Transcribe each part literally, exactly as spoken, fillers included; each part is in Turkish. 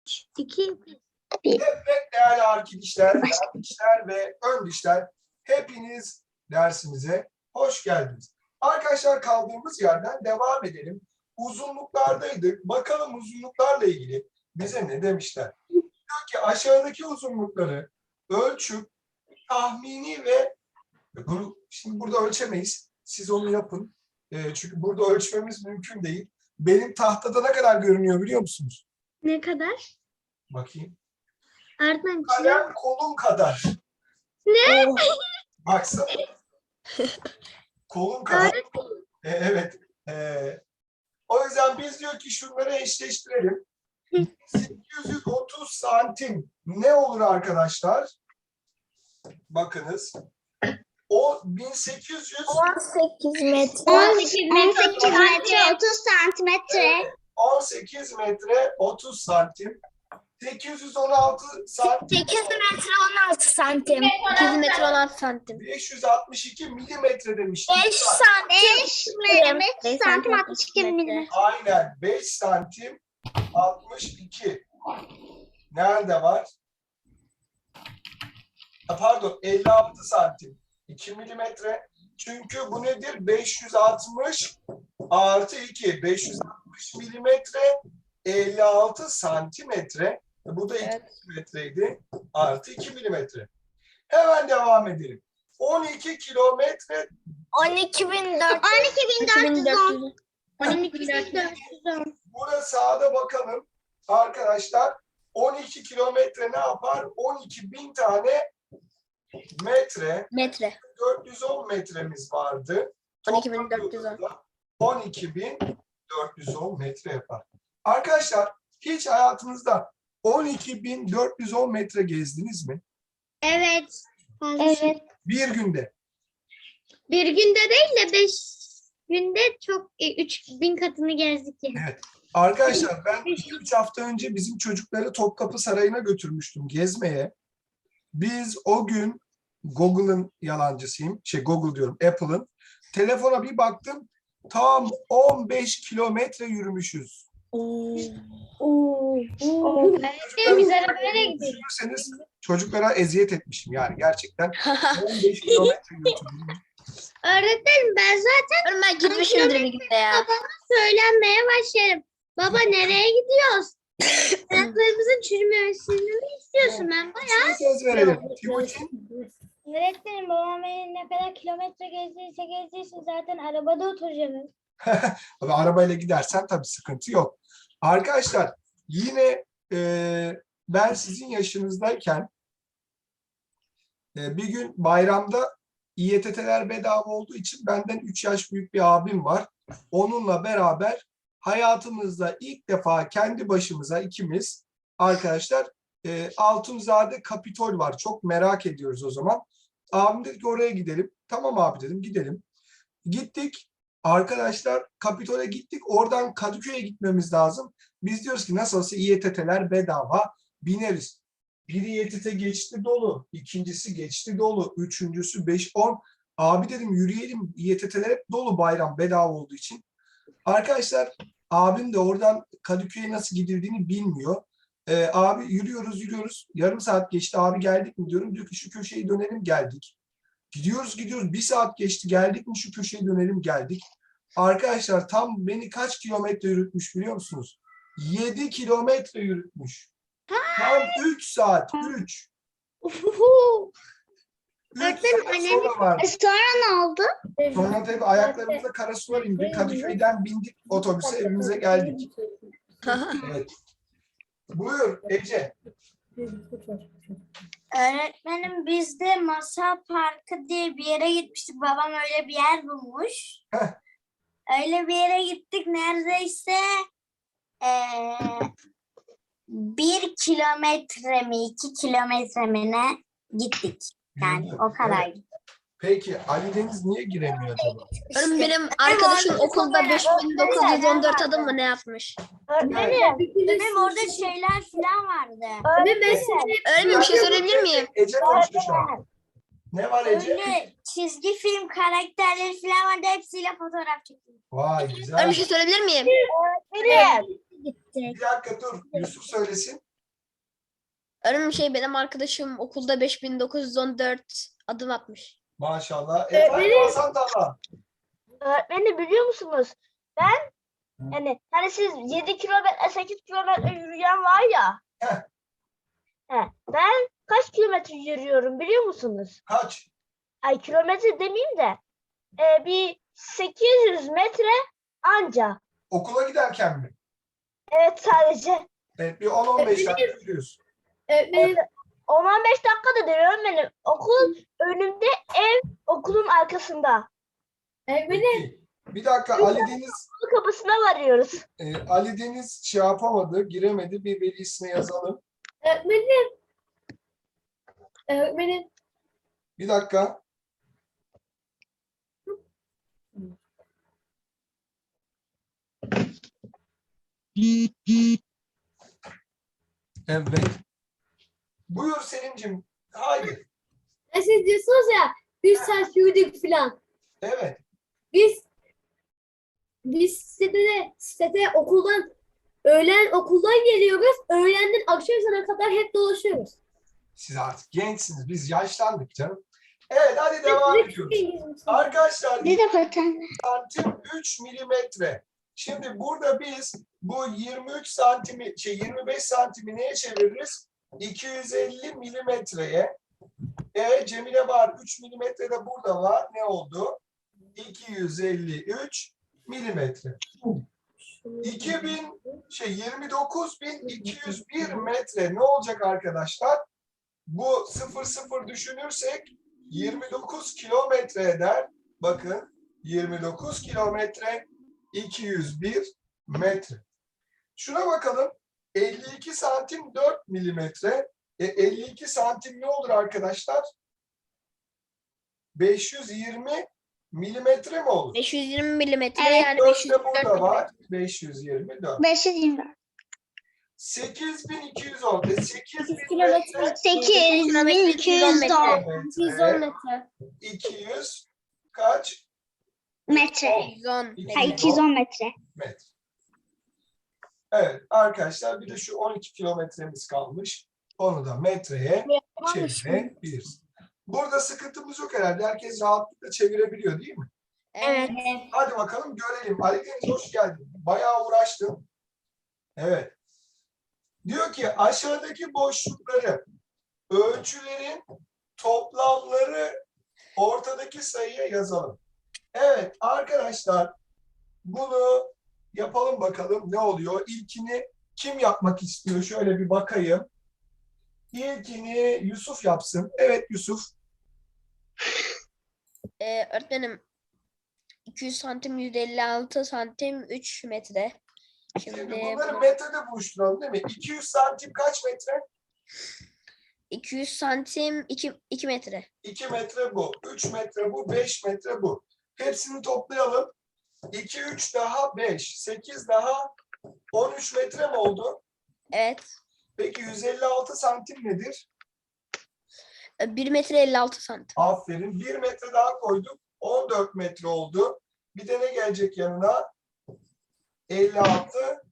iki, Evet değerli arkadaşlar, değerli dişler ve ön dişler, hepiniz dersimize hoş geldiniz. Arkadaşlar kaldığımız yerden devam edelim. Uzunluklardaydık. Bakalım uzunluklarla ilgili bize ne demişler? Diyor ki aşağıdaki uzunlukları ölçüp tahmini ve bunu şimdi burada ölçemeyiz. Siz onu yapın. E, çünkü burada ölçmemiz mümkün değil. Benim tahtada ne kadar görünüyor biliyor musunuz? ne kadar? Bakayım. Öğretmenim Kalem kolum kadar. Ne? Baksana. Kolum kadar. Öğretmenim. E, evet. E, o yüzden biz diyor ki şunları eşleştirelim. sekiz yüz otuz santim ne olur arkadaşlar? Bakınız. O bin sekiz yüz on sekiz metre. on sekiz metre, on sekiz metre otuz santimetre. on sekiz metre otuz santim. sekiz yüz on altı santim. sekiz metre on altı santim. sekiz metre on altı santim. beş yüz altmış iki milimetre demiş. beş santim. beş santim altmış iki milimetre. Aynen. beş santim altmış iki. Nerede var? Ha, pardon elli altı santim. iki milimetre. Çünkü bu nedir? beş yüz altmış artı iki. beş yüz altmış milimetre elli altı santimetre. Bu da iki Evet. milimetreydi. Artı iki milimetre. Hemen devam edelim. on iki kilometre on iki bin dört yüz on. on iki bin dört yüz on. burada sağda bakalım arkadaşlar. on iki kilometre ne yapar? on iki bin tane metre. Metre. dört yüz on metremiz vardı. on iki bin dört yüz on. on iki bin dört yüz on metre yapar. Arkadaşlar hiç hayatınızda on iki bin dört yüz on metre gezdiniz mi? Evet. Evet. Bir günde. Bir günde değil de beş günde çok e, üç bin katını gezdik yani. Evet. Arkadaşlar ben iki üç hafta önce bizim çocukları Topkapı Sarayı'na götürmüştüm gezmeye. Biz o gün Google'ın yalancısıyım. Şey Google diyorum Apple'ın. Telefona bir baktım. Tam on beş kilometre yürümüşüz. Öğretmenim biz arabayla gidiyoruz. Düşünürseniz çocuklara eziyet etmişim yani gerçekten. on beş kilometre yürüdüm. Öğretmenim ben zaten Ben gitmişimdir bir günde ya. söylenmeye başlarım. Baba nereye gidiyoruz? Ayaklarımızın çürümemesini mi istiyorsun? Ben bayağı. Size söz verelim. Timuçin. Öğretmenim babam beni ne kadar kilometre gezdiyse gezdiyse zaten arabada oturacağım. Ama arabayla gidersen tabii sıkıntı yok. Arkadaşlar yine e, ben sizin yaşınızdayken e, bir gün bayramda İ Y T T'ler bedava olduğu için benden üç yaş büyük bir abim var. Onunla beraber hayatımızda ilk defa kendi başımıza ikimiz arkadaşlar e, Altunzade Kapitol var. Çok merak ediyoruz o zaman. Abim dedi ki oraya gidelim. Tamam abi dedim gidelim. Gittik. Arkadaşlar Kapitol'e gittik. Oradan Kadıköy'e gitmemiz lazım. Biz diyoruz ki nasıl olsa İ Y T T'ler bedava bineriz. Bir İ Y T T geçti dolu. İkincisi geçti dolu. Üçüncüsü beş on. Abi dedim yürüyelim. İ Y T T'ler hep dolu bayram bedava olduğu için. Arkadaşlar abim de oradan Kadıköy'e nasıl gidildiğini bilmiyor. Ee, abi yürüyoruz yürüyoruz. Yarım saat geçti. Abi geldik mi diyorum. Diyor ki şu köşeyi dönelim geldik. Gidiyoruz gidiyoruz. Bir saat geçti. Geldik mi şu köşeye dönelim geldik. Arkadaşlar tam beni kaç kilometre yürütmüş biliyor musunuz? yedi kilometre yürütmüş. Tam üç saat. üç. üç Öğretmenim, saat annem- sonra vardı. Sonra ne oldu? Sonra tabii ayaklarımızda kara sular indi. Kadıköy'den bindik otobüse evimize geldik. Evet. Buyur Ece. Öğretmenim biz de Masa Parkı diye bir yere gitmiştik. Babam öyle bir yer bulmuş. Heh. Öyle bir yere gittik neredeyse eee, bir kilometre mi iki kilometre mi ne gittik. Yani Yürüdün. o kadar. Evet. Peki Ali Deniz niye giremiyor acaba? Oğlum benim arkadaşım okulda beş bin dokuz yüz on dört adım mı ne yapmış? Öğretmenim, benim orada şeyler falan vardı. Öğretmenim bir şey sorabilir miyim? Ece konuştu şu an. Ne var Ece? Öyle çizgi film karakterleri falan vardı. Hepsiyle fotoğraf çektim. Vay Öğretmenim güzel. bir şey sorabilir miyim? Bir dakika dur. Yusuf söylesin. Öğretmenim şey benim arkadaşım okulda beş bin dokuz yüz on dört adım atmış. Maşallah. Ee, Efendim benim- Hasan Talha. Öğretmenim biliyor musunuz? Ben yani hani siz yedi kilometre sekiz kilometre yürüyen var ya. Heh. He, ben kaç kilometre yürüyorum biliyor musunuz? Kaç? Ay kilometre demeyeyim de e, bir sekiz yüz metre anca. Okula giderken mi? Evet sadece. Evet, bir on on beş dakika yürüyorsun. Öğretmenim. on on beş dakika da değil öğretmenim. Okul önümde, ev okulun arkasında. Peki. Bir dakika Ali Deniz Okul kapısına varıyoruz. e, Ali Deniz şey yapamadı, giremedi. Bir velisine yazalım. Öğretmenim. Öğretmenim. Bir dakika. Evet. Buyur Selim'cim. Haydi. Siz diyorsunuz ya üç saat yürüdük falan. Evet. Biz biz sitede, sitede okuldan öğlen okuldan geliyoruz. Öğlenden akşam ezanına kadar hep dolaşıyoruz. Siz artık gençsiniz. Biz yaşlandık canım. Evet hadi devam ediyoruz. Arkadaşlar Bir de paten. santim üç milimetre. Şimdi burada biz bu yirmi üç santimi şey yirmi beş santimi neye çeviririz? iki yüz elli milimetreye. E Cemile var. üç milimetre de burada var. Ne oldu? iki yüz elli üç milimetre. iki bin şey yirmi dokuz bin iki yüz bir metre ne olacak arkadaşlar? Bu sıfır sıfır düşünürsek yirmi dokuz kilometre eder. Bakın yirmi dokuz kilometre iki yüz bir metre. Şuna bakalım. elli iki santim dört milimetre. E, elli iki santim ne olur arkadaşlar? beş yüz yirmi milimetre mi olur? beş yüz yirmi milimetre Evet, yani dört beş yüz de yirmi dört burada var. milimetre. beş yüz yirmi dört. beş yüz yirmi dört. sekiz bin iki yüz on. E, sekiz bin kilometre. metre. sekiz bin iki yüz on yüz on metre. iki yüz kaç? metre. yüz on Ha, metre. iki yüz on metre. Metre. Evet arkadaşlar bir de şu on iki kilometremiz kalmış. Onu da metreye çevirebiliriz. Burada sıkıntımız yok herhalde. Herkes rahatlıkla çevirebiliyor değil mi? Evet. Hadi bakalım görelim. Ali Deniz hoş geldin. Bayağı uğraştın. Evet. Diyor ki aşağıdaki boşlukları ölçülerin toplamları ortadaki sayıya yazalım. Evet arkadaşlar bunu yapalım bakalım ne oluyor. İlkini kim yapmak istiyor? Şöyle bir bakayım. İlkini Yusuf yapsın. Evet Yusuf. Ee, öğretmenim iki yüz santim yüz elli altı santim üç metre. Şimdi Şimdi bunları bunu- metrede buluşturalım değil mi? iki yüz santim kaç metre? iki yüz santim iki, iki metre. iki metre bu. üç metre bu. beş metre bu. Hepsini toplayalım. iki, üç daha beş. sekiz daha on üç metre mi oldu? Evet. Peki yüz elli altı santim nedir? Ee, bir metre elli altı santim. Aferin. bir metre daha koyduk. on dört metre oldu. Bir de ne gelecek yanına? elli altı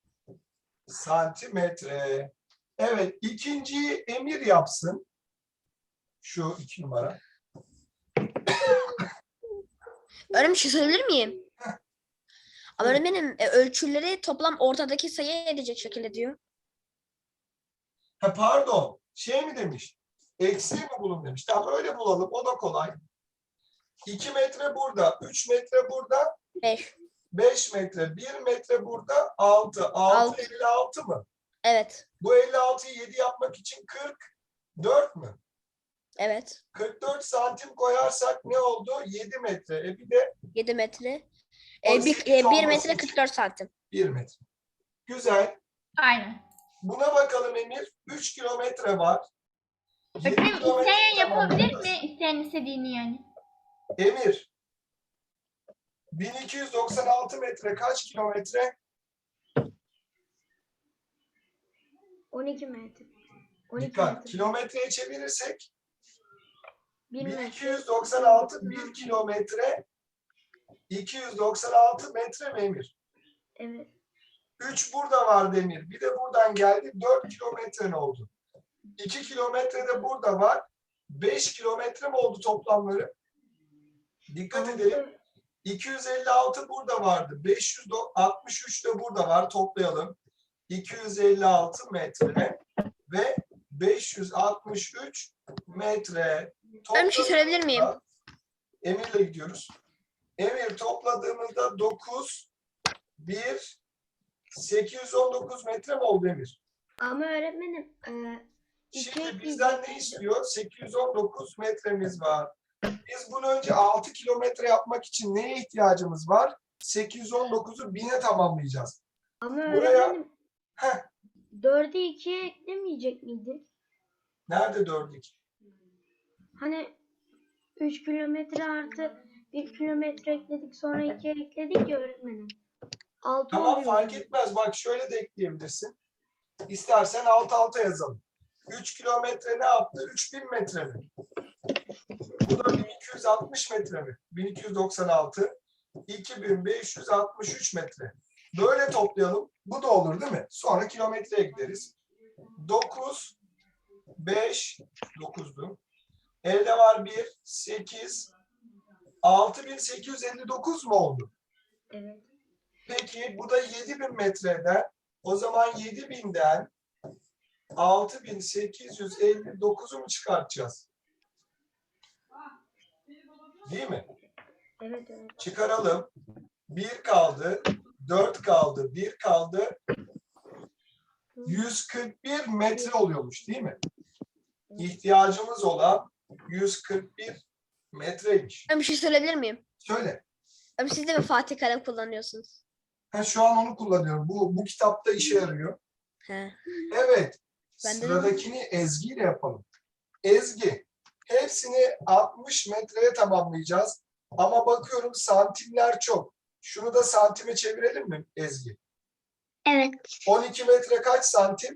santimetre. Evet. ikinciyi Emir yapsın. Şu iki numara. Öğretmenim bir şey söyleyebilir miyim? Ama öğretmenim e, ölçüleri toplam ortadaki sayı edecek şekilde diyor. Ha, pardon. Şey mi demiş? Eksiği mi bulun demiş. Tamam öyle bulalım. O da kolay. iki metre burada. üç metre burada. beş. beş metre. bir metre burada. altı. altı Altı. elli altı mı? Evet. Bu elli altıyı yedi yapmak için kırk dört mü? Evet. kırk dört santim koyarsak ne oldu? yedi metre. E bir de yedi metre. O E, bir, sekiz e, bir olması metre için. kırk dört santim. bir metre. Güzel. Aynen. Buna bakalım Emir. üç kilometre var. yedi Öğretmenim kilometre isteyen yapabilir tamamlarız. mi? İsteyen istediğini yani. Emir. bin iki yüz doksan altı metre kaç kilometre? on iki metre. on iki Dikkat. metre. Kilometreye çevirirsek Bir bin metre. iki yüz doksan altı bir kilometre iki yüz doksan altı metre mi Emir? Evet. üç burada var Demir. Bir de buradan geldi. dört kilometre ne oldu? iki kilometre de burada var. beş kilometre mi oldu toplamları? Dikkat edelim. iki yüz elli altı burada vardı. beş yüz altmış üç de burada var. Toplayalım. iki yüz elli altı metre ve beş yüz altmış üç metre. Ben bir şey sorabilir miyim? Topladığımızda- Emir'le gidiyoruz. Emir topladığımızda dokuz, bir, sekiz yüz on dokuz metre mi oldu Emir? Ama öğretmenim e, Şimdi bizden ne istiyor? sekiz yüz on dokuz metremiz var. Biz bunu önce altı kilometre yapmak için neye ihtiyacımız var? sekiz yüz on dokuzu bine tamamlayacağız. ama Buraya- öğretmenim Heh, dördü ikiye eklemeyecek miydik? nerede dördük? Hani üç kilometre artı bir kilometre ekledik sonra ikiye ekledik ya öğretmenim. altı Tamam oluyor. fark etmez. Bak şöyle de ekleyebilirsin. İstersen alt alta yazalım. üç kilometre ne yaptı? üç bin metre mi? Bu da bin iki yüz altmış metre mi? bin iki yüz doksan altı. iki bin beş yüz altmış üç metre. Böyle toplayalım. Bu da olur değil mi? Sonra kilometreye gideriz. dokuz, beş, dokuzdu. Elde var bir, sekiz, altı bin sekiz yüz elli dokuz mu oldu? Evet. Peki bu da yedi bin metreden. O zaman yedi binden altı bin sekiz yüz elli dokuzu mu çıkartacağız? Değil mi? Evet evet. Çıkaralım. bir kaldı, dört kaldı, bir kaldı. yüz kırk bir metre oluyormuş değil mi? İhtiyacımız olan yüz kırk bir metreymiş. Ben bir şey söyleyebilir miyim? Söyle. Abi siz de mi Fatih kalem kullanıyorsunuz? Ha, şu an onu kullanıyorum. Bu, bu kitapta işe yarıyor. He. Evet. Ben de- Sıradakini Ezgi ile yapalım. Ezgi. Hepsini altmış metreye tamamlayacağız. Ama bakıyorum santimler çok. Şunu da santime çevirelim mi Ezgi? Evet. on iki metre kaç santim?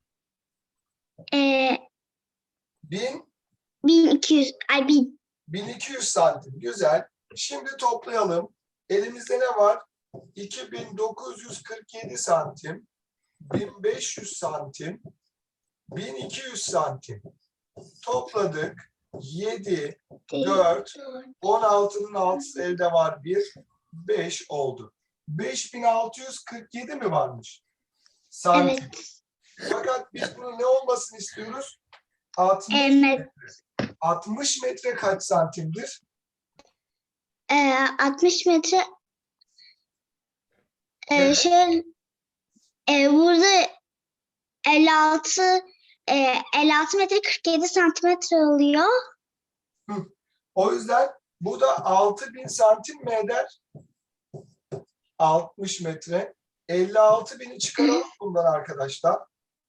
Ee, bin, bin iki yüz, ay bin. bin iki yüz santim. Güzel. Şimdi toplayalım. Elimizde ne var? iki bin dokuz yüz kırk yedi santim. bin beş yüz santim. bin iki yüz santim. Topladık. yedi, dört, on altının altısı elde var bir, beş oldu. beş bin altı yüz kırk yedi mi varmış? Santim. Evet. Fakat biz bunun ne olmasını istiyoruz? altmış Evet. metre. altmış metre kaç santimdir? Ee, altmış metre. Ee, Evet. şey, e, burada elli altı e, elli altı metre kırk yedi santimetre oluyor. O yüzden bu da altı bin santim mi eder? altmış metre. elli altı bini çıkaralım bundan arkadaşlar.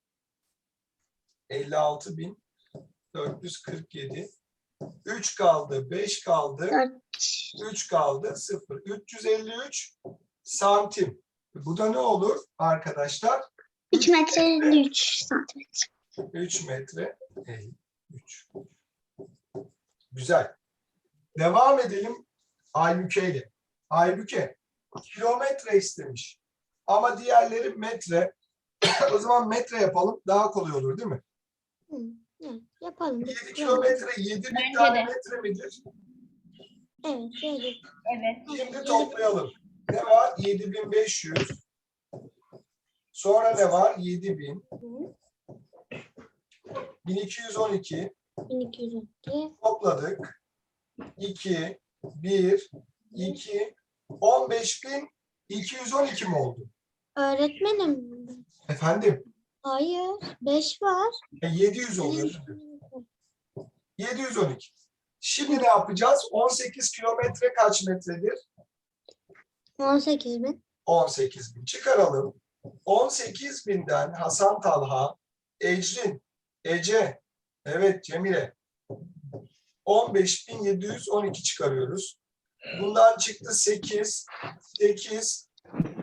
elli altı bin dört yüz kırk yedi. üç kaldı, beş kaldı, Dört. üç kaldı, sıfır. üç yüz elli üç santim. Bu da ne olur arkadaşlar? üç metre elli üç santimetre. üç metre elli üç. Güzel. Devam edelim Aybüke ile. Aybüke kilometre istemiş. Ama diğerleri metre. O zaman metre yapalım. Daha kolay olur değil mi? Evet, yapalım. yedi kilometre yedi bin Bence tane de. metre midir? Evet, şöyle. Evet. Şimdi toplayalım. Ne var? yedi bin beş yüz. Sonra ne var? yedi bin. bin iki yüz on iki. bin iki yüz on iki. Topladık. iki, bir, iki, on beş bin iki yüz on iki mi oldu? Öğretmenim. Efendim? Hayır. beş var. E, yedi yüz oluyor. yedi yüz on iki. Şimdi ne yapacağız? on sekiz kilometre kaç metredir? on sekiz bin. on sekiz bin. Çıkaralım. on sekiz binden Hasan Talha, Ecrin, Ece, evet Cemile. on beş bin yedi yüz on iki çıkarıyoruz. Bundan çıktı sekiz, sekiz,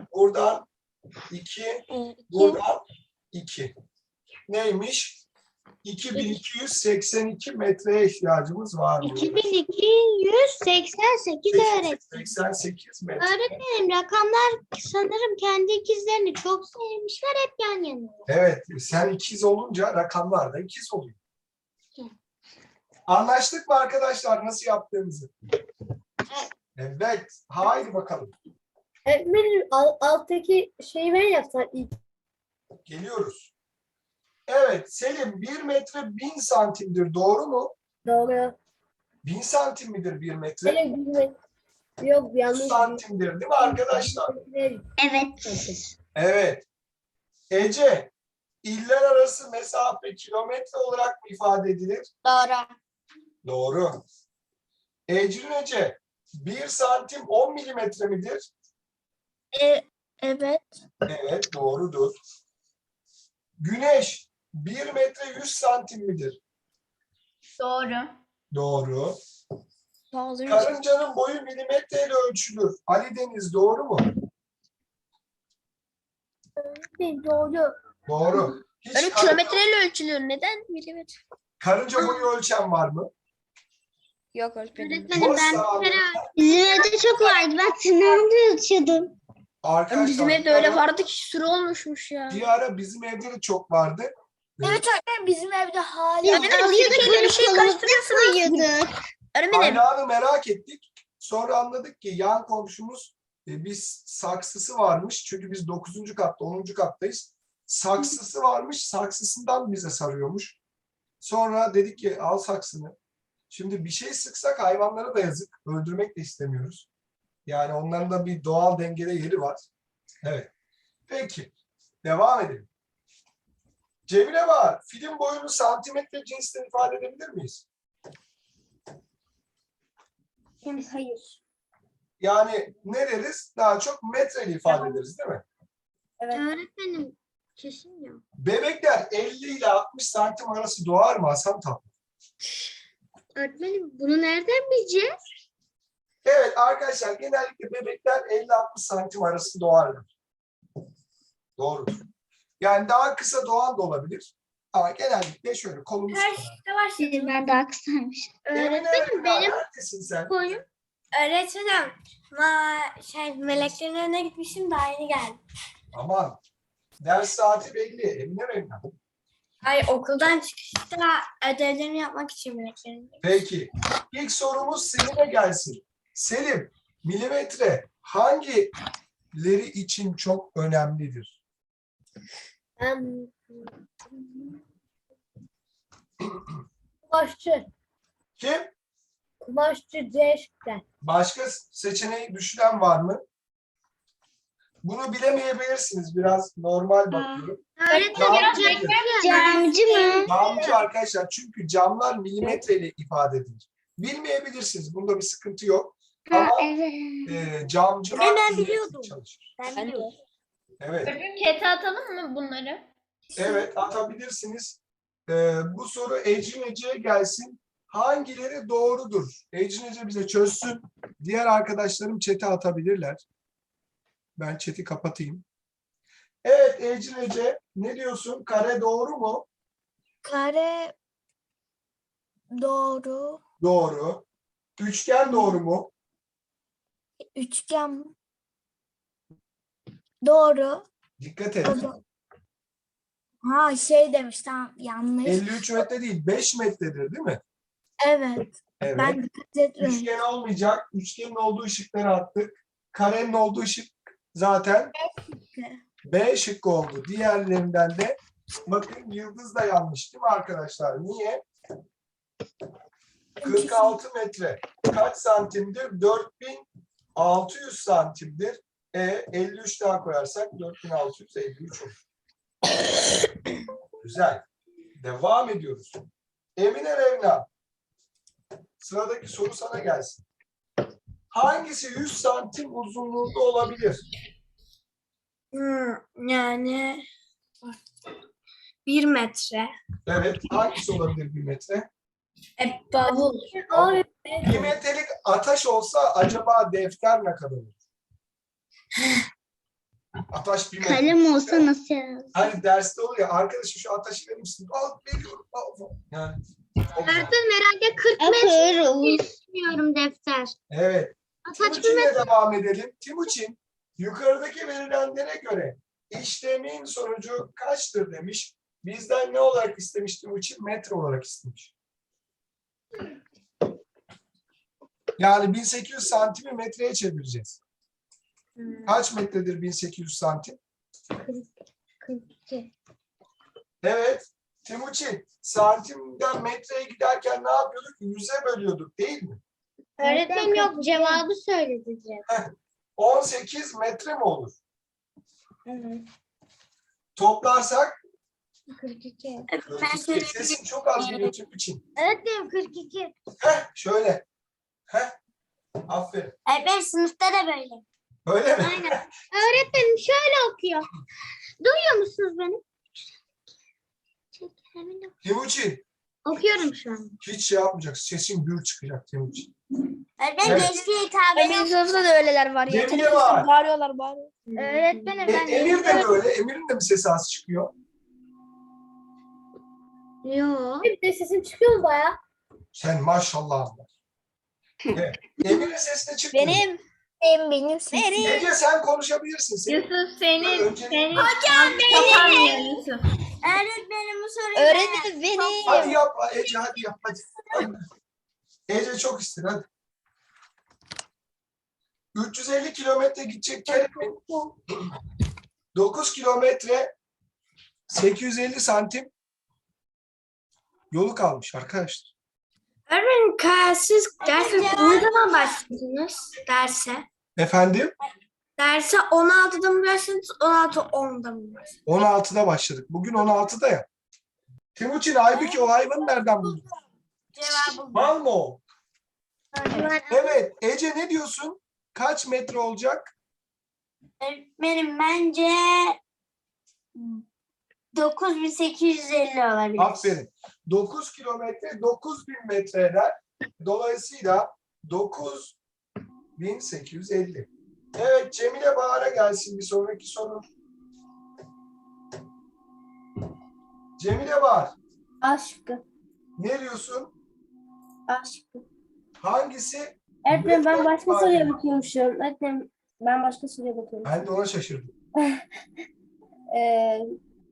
buradan iki, Evet, iki. buradan iki. Neymiş? iki bin iki yüz seksen iki metreye ihtiyacımız var mı? iki bin iki yüz seksen sekiz öğretmenim. seksen sekiz metre. Öğretmenim rakamlar sanırım kendi ikizlerini çok sevmişler, hep yan yana. Evet, sen ikiz olunca rakamlar da ikiz oluyor. Anlaştık mı arkadaşlar nasıl yaptığımızı? Evet, haydi bakalım. Öğretmenim al, alttaki şeyi ben yapsam ilk. Geliyoruz. Evet, Selim bir metre bin santimdir, doğru mu? Doğru. Bin santim midir bir metre? Öyle bilmek. Yok yüz yanlış. santimdir değil mi arkadaşlar? Evet. Evet. Ece, iller arası mesafe kilometre olarak mı ifade edilir? Doğru. Doğru. Ecrin Ece, bir santim on milimetre midir? E, evet. Evet, doğrudur. Güneş, bir metre yüz santim midir? Doğru. Doğru. Doğru. Karıncanın boyu milimetreyle ölçülür. Ali Deniz, doğru mu? Doğru. Doğru. Hiç Öyle kar- kilometreyle ölçülüyor. Neden milimetre? karınca boyu ölçen var mı? Yok öğretmenim. Öğretmenim ben Boş bir kere Bizim evde çok vardı. Ben tırnağımda ölçüyordum. Arkadaşlar, Bizim bir evde öyle ara- vardı ki sürü olmuşmuş ya. Bir ara bizim evde de çok vardı. Evet öğretmenim bizim evde hala. Biz Öğretmenim, alıyorduk Türkiye'yle böyle bir şey kolumuzda karıştırıyorsunuz. koyuyorduk. Öğretmenim. Kaynağını merak ettik. Sonra anladık ki yan komşumuz e, biz saksısı varmış. Çünkü biz dokuzuncu katta, onuncu kattayız. Saksısı varmış. Saksısından bize sarıyormuş. Sonra dedik ki al saksını. Şimdi bir şey sıksak hayvanlara da yazık. Öldürmek de istemiyoruz. Yani onların da bir doğal dengede yeri var. Evet. Peki. Devam edelim. Cemile var. Film boyunu santimetre cinsinden ifade edebilir miyiz? Hayır. Yani ne deriz? Daha çok metreyle ifade ederiz değil mi? öğretmenim kesin ya. Bebekler elli ile altmış santim arası doğar mı Hasan Tan? Öğretmenim bunu nereden bileceğiz? Evet arkadaşlar, genellikle bebekler elli altmış santim arası doğarlar. Doğrudur. Yani daha kısa doğan da olabilir. Ama genellikle şöyle kolumuz kadar. Ben daha kısaymış. Emine Öğretmenim Ömer, benim neredesin sen? boyum. Öğretmenim ma şey meleklerin önüne gitmişim daha yeni geldim. Aman. Ders saati belli. Emine Ömer. Ay okuldan çıkışta ödevlerimi yapmak için meleklerin. Peki. İlk sorumuz Selim'e gelsin. Selim, milimetre hangileri için çok önemlidir? Ben kumaşçı. Kim? Kumaşçı C şıkkı. Başka seçeneği düşünen var mı? Bunu bilemeyebilirsiniz. Biraz normal bakıyorum. Öğretmenim Camcı, Camcı mı? camcı arkadaşlar, çünkü camlar milimetreyle ifade edilir. Bilmeyebilirsiniz. Bunda bir sıkıntı yok. Ha, Ama evet. e, camcılar Ben milimetre biliyordum. çalışır. Ben Ben de. biliyorum. Evet. Öğretmenim chat'e atalım mı bunları? Evet, atabilirsiniz. E, bu soru Ecrin Ece'ye gelsin. Hangileri doğrudur? Ecrin Ece bize çözsün. Diğer arkadaşlarım chat'e atabilirler. Ben chat'i kapatayım. Evet Ecrin Ece, ne diyorsun? Kare doğru mu? Kare doğru. Doğru. Üçgen doğru mu? Üçgen doğru. Dikkat et. Ha şey demiş tamam yanlış. elli üç metre değil, beş metredir değil mi? Evet. Evet. Ben dikkat etmedim. Üçgen olmayacak. Üçgenin olduğu ışıkları attık. Karenin olduğu ışık zaten B şıkkı oldu. Diğerlerinden de bakın yıldız da yanlış değil mi arkadaşlar? Niye? kırk altı metre. Kaç santimdir? dört bin altı yüz santimdir. E, elli üç daha koyarsak dört bin altı yüz elli üç olur. Güzel. Devam ediyoruz. Emine Revna. Sıradaki soru sana gelsin. Hangisi yüz santim uzunluğunda olabilir? Hmm, yani bir metre. Evet. Hangisi olabilir bir metre? E, bavul. Abi Bir metrelik ataş olsa acaba defter ne kadar olur? Ataş bir metre. Kalem olsa nasıl yazar? Hani derste olur ya, arkadaşım şu ataşı verir misin? Al, veriyorum. Al, al. Yani. o güzel. Öğretmenim herhalde kırk metre Akır. düşünüyorum defter. Evet. Ataç bir Timuçin'le metre. devam edelim. Timuçin, yukarıdaki verilenlere göre işlemin sonucu kaçtır demiş. Bizden ne olarak istemiş Timuçin? Metre olarak istemiş. Yani bin sekiz yüz santimi metreye çevireceğiz. Kaç metredir bin sekiz yüz santim? kırk iki. Evet. Timuçin, santimden metreye giderken ne yapıyorduk? Yüze bölüyorduk değil mi? Öğretmenim yok cevabı söyledi direkt. on sekiz metre mi olur? Evet. Toplarsak kırk iki. sesin çok az geliyor Timuçin. Öğretmenim kırk iki. Heh, şöyle. Heh. Aferin. Ben sınıfta da böyle. Öyle mi? Aynen. Öğretmenim şöyle okuyor. Duyuyor musunuz beni? Timuçin, Okuyorum şu an. hiç şey yapmayacaksın. Sesin gür çıkacak Timuçin. Ben Evet. gençliğe hitap Benim sınıfta da öyleler var ya. Cemile Teneffüste var. bağırıyorlar bağırıyor. Öğretmenim E, ben Emir de böyle. Emir'in de mi sesi az çıkıyor? Yok. Bir de sesim çıkıyor mu baya? Sen maşallah. Evet. Emir'in sesi de çıkmıyor. Benim. benim benim. Benim. Ece sen konuşabilirsin. Senin Yusuf senin. Önce- senin Hocam benim. Yusuf. Öğretmenim bu soruyu Öğretmenim benim. hadi yap Ece, hadi yap hadi. Hadi. Ece çok ister hadi. üç yüz elli kilometre gidecek Kerem'in dokuz kilometre sekiz yüz elli santim yolu kalmış arkadaşlar. Öğretmenim siz derse ne zaman başladınız derse? Efendim? Derse on altıda mı başladınız, on altı onda mı başladınız? on altıda başladık. Bugün on altıda ya. Timuçin, halbuki o hayvanı nereden buldun? Cevabı Mal mı o? Evet. Ece ne diyorsun? Kaç metre olacak? Öğretmenim bence dokuz bin sekiz yüz elli olabilir. Aferin. dokuz kilometre dokuz bin metre eder. Dolayısıyla dokuz bin sekiz yüz elli. Evet, Cemile Bahar'a gelsin bir sonraki soru. Cemile Bahar, Aşkı. ne diyorsun? Aşkı. Hangisi? Öğretmenim ben başka Hayır. soruya bakıyormuşum. Öğretmenim ben başka soruya bakıyorum. Ben de ona şaşırdım. Ee,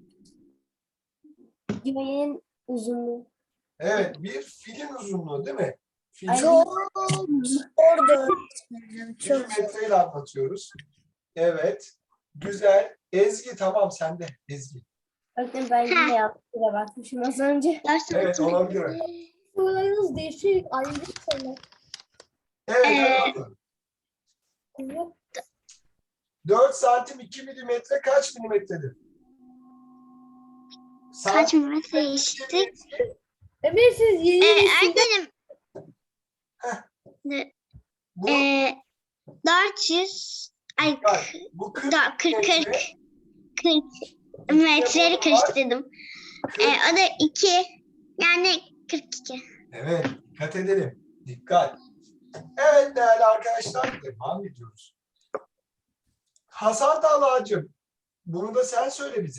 güvenin uzunluğu. Evet, bir filin uzunluğu değil mi? Filin Ay, Orada. bir metreyle anlatıyoruz. Evet, güzel. Ezgi, tamam sende Ezgi. Öğretmenim ben yine yaptığına bakmışım az önce. Evet, olabilir. Sorularınız değişik. Ayrı sorular. Evet, Ee, hadi bakalım. dört santim iki milimetre kaç milimetredir? Kaç Santim- metre işte? Emir siz yeni Ee, nesilde öğretmenim. Bu, Ee, dört yüz ay bak, bu kırk da- kırk metre, kırk kırk metreleri karıştırdım. kırk- Ee, o da iki yani kırk iki. Evet, dikkat edelim. Dikkat. Evet değerli arkadaşlar, devam ediyoruz. Hasan Talha'cığım, bunu da sen söyle bize.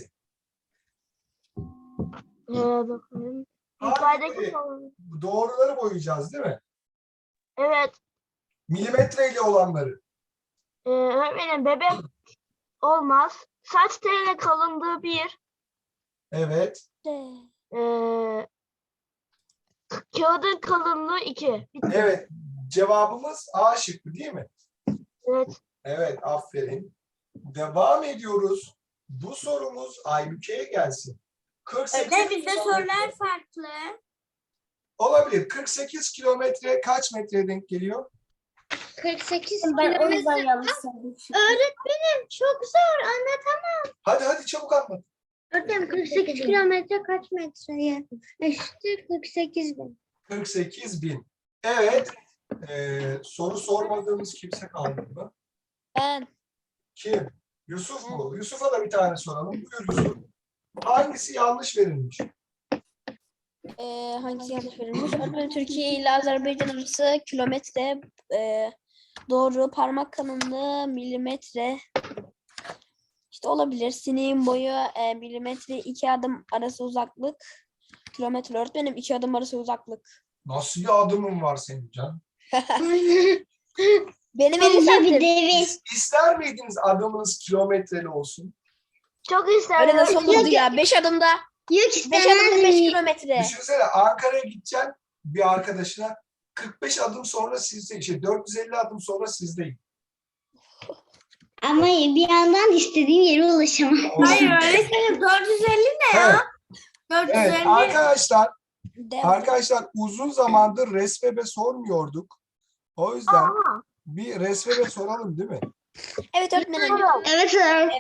Ee, bakalım. Hangi Yukarıdaki soru. doğruları boyayacağız değil mi? Evet. Milimetreyle olanları. Ee, öğretmenim bebek olmaz. Saç teline kalındığı bir. Evet. Ee, kağıdın kalınlığı iki. Bitti. Evet. Cevabımız A şıkkı değil mi? Evet. Evet, aferin. Devam ediyoruz. Bu sorumuz Aybüke'ye gelsin. kırk sekiz Öyle bizde kilometre- sorular farklı. Olabilir. kırk sekiz kilometre kaç metreye denk geliyor? kırk sekiz ben o kilometre. yüzden yanlış söyledim. Öğretmenim çok zor anlatamam. Hadi hadi çabuk anlat. Öğretmenim kırk sekiz kilometre kaç metreye? Eşittir kırk sekiz bin. kırk sekiz bin. Evet. Ee, soru sormadığımız kimse kaldı mı? Ben. Kim? Yusuf mu? Yusuf'a da bir tane soralım. Buyur Yusuf. Hangisi yanlış verilmiş? Ee, hangisi yanlış verilmiş? Öğretmenim Türkiye ile Azerbaycan arası kilometre e, doğru, parmak kalınlığı milimetre, İşte olabilir. Sineğin boyu e, milimetre iki adım arası uzaklık. Kilometre öğretmenim iki adım arası uzaklık. Nasıl bir adımın var senin Can? Benim elli Koca bir santim. devi. İs- İster miydiniz adımınız kilometreli olsun? Çok Öyle isterim. nasıl olurdu ya? Beş adımda. Yok Beş adımda beş istemezdim. kilometre. Düşünsene Ankara'ya gideceksin bir arkadaşına kırk beş adım sonra sizde, şey dört yüz elli adım sonra sizdeyim. Ama bir yandan istediğim yere ulaşamam. Hayır öğretmenim dört yüz elli ne Evet, ya? dört yüz elli. evet arkadaşlar, Devam. arkadaşlar uzun zamandır Resvebe sormuyorduk. O yüzden bir Resvebe soralım değil mi? Evet öğretmenim. Evet, evet.